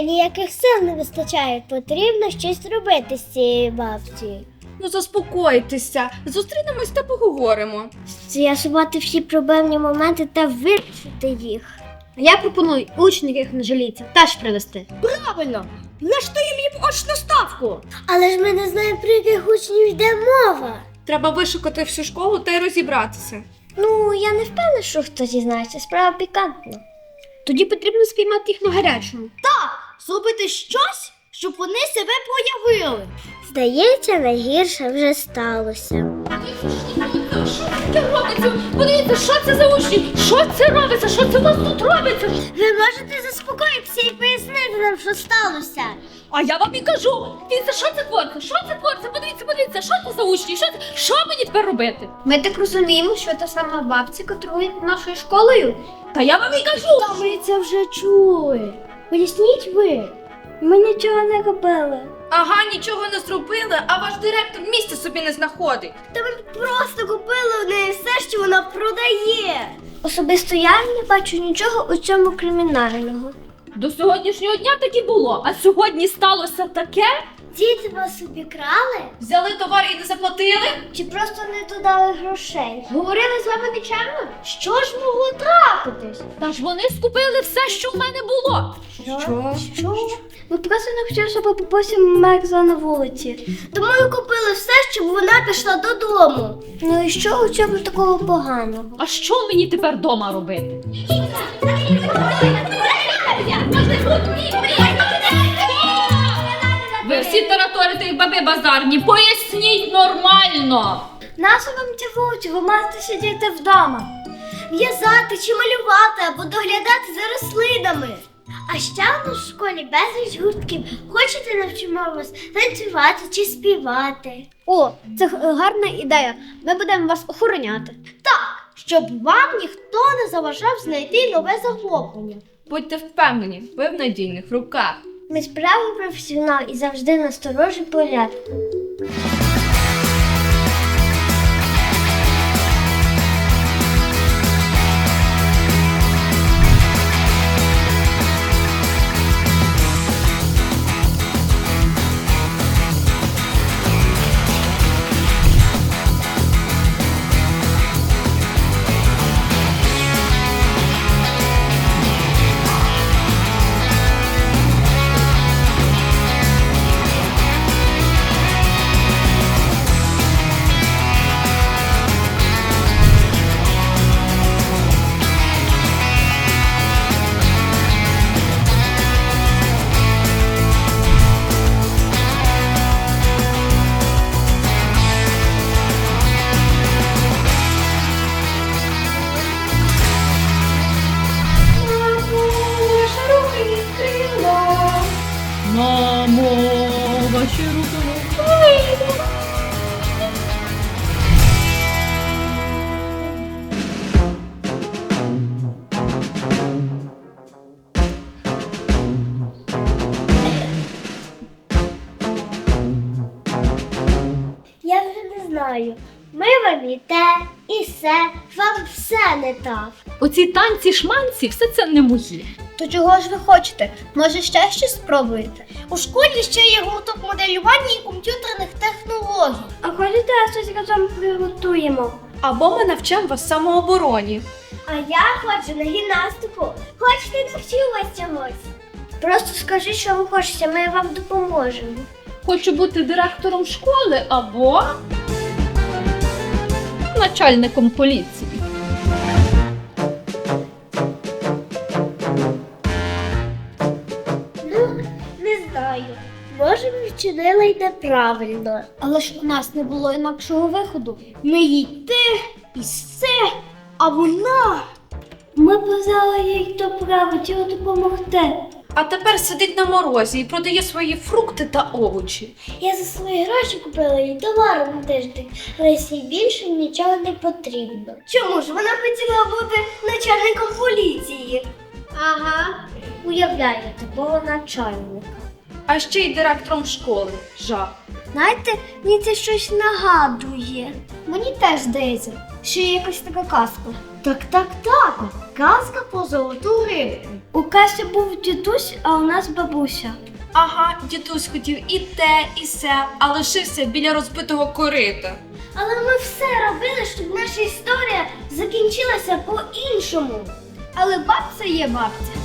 ніяких сил не вистачає. Потрібно щось робити з цією бабцею. Ну заспокойтеся, зустрінемось та поговоримо. З'ясувати всі проблемні моменти та вирішити їх. Я пропоную учнів, яких не жаліться, теж привезти. Правильно, влаштуй мені очну ставку. Але ж ми не знаємо, про яких учнів йде мова. Треба вишукати всю школу та й розібратися. Ну, я не впевнена, що хтось дізнається. Справа пікантна. Тоді потрібно спіймати їх на гарячому. Зробити щось, щоб вони себе проявили. Здається, найгірше вже сталося. Що таке робиться? Подивіться, що це за учні? Що це робиться? Що це у вас тут робиться? Ви можете заспокоїтися і пояснити нам, що сталося? А я вам і кажу. Дивіться, що це твориться? Що це твориться? Подивіться, що це за учні? Що мені тепер робити? Ми так розуміємо, що та сама бабця котрує нашою школою. Та я вам і кажу. Та ми це вже чули. Поясніть ви. Ми нічого не робили. Ага, нічого не зробили, а ваш директор місця собі не знаходить. Та ми просто купили у неї все, що вона продає. Особисто я не бачу нічого у цьому кримінального. До сьогоднішнього дня так і було, а сьогодні сталося таке. Діти вас обікрали? Взяли товар і не заплатили? Чи просто не додали грошей? Говорили з вами нечемно? Що ж могло трапитись? Та ж вони скупили все, що в мене було. Що? Ми просто не хотіли, щоб бабуся мерзла на вулиці. Тому ми купили все, щоб вона пішла додому. Ну і що у цьому такого поганого? А що мені тепер вдома робити? Ви всі тараторите і баби базарні, поясніть нормально. Нащо вам ця вулиця? Ви маєте сидіти вдома. В'язати чи малювати або доглядати за рослинами. А ще у нас в школі безліч гуртків. Хочете навчимо вас танцювати чи співати? О, це гарна ідея. Ми будемо вас охороняти. Щоб вам ніхто не заважав знайти нове захоплення. Будьте впевнені, ви в надійних руках. Ми справді професіонал і завжди насторожі порядку. Мамо, ваші руки. Я вже не знаю. Ми вам і те, і все, вам все не так. Оці танці-шманці, все це не мої. То чого ж ви хочете? Може, ще щось спробуєте? У школі ще є гурток моделювання і комп'ютерних технологій. А хочете щось разом приготуємо? Або ми навчимо вас самообороні. А я хочу на гімнастику. Хочете навчу вас чогось? Просто скажи, що ви хочете, ми вам допоможемо. Хочу бути директором школи або начальником поліції. Ну, не знаю. Може, ми вчинили й неправильно. Але ж у нас не було інакшого виходу. Ми їй те і все, а вона. Ми казали їй добра, хотіли допомогти. А тепер сидить на морозі і продає свої фрукти та овочі. Я за свої гроші купила їй товару на тиждень, але їй більше нічого не потрібно. Чому ж вона хотіла бути начальником поліції? Ага, уявляю такого начальника. А ще й директором школи. Жах. Знаєте, мені це щось нагадує. Мені теж здається, що є якась така казка. Так. Казка про золоту рибку. У Касі був дідусь, а у нас бабуся. Ага, дідусь хотів і те, і се, а лишився біля розбитого корита. Але ми все робили, щоб наша історія закінчилася по-іншому. Але бабця є бабця.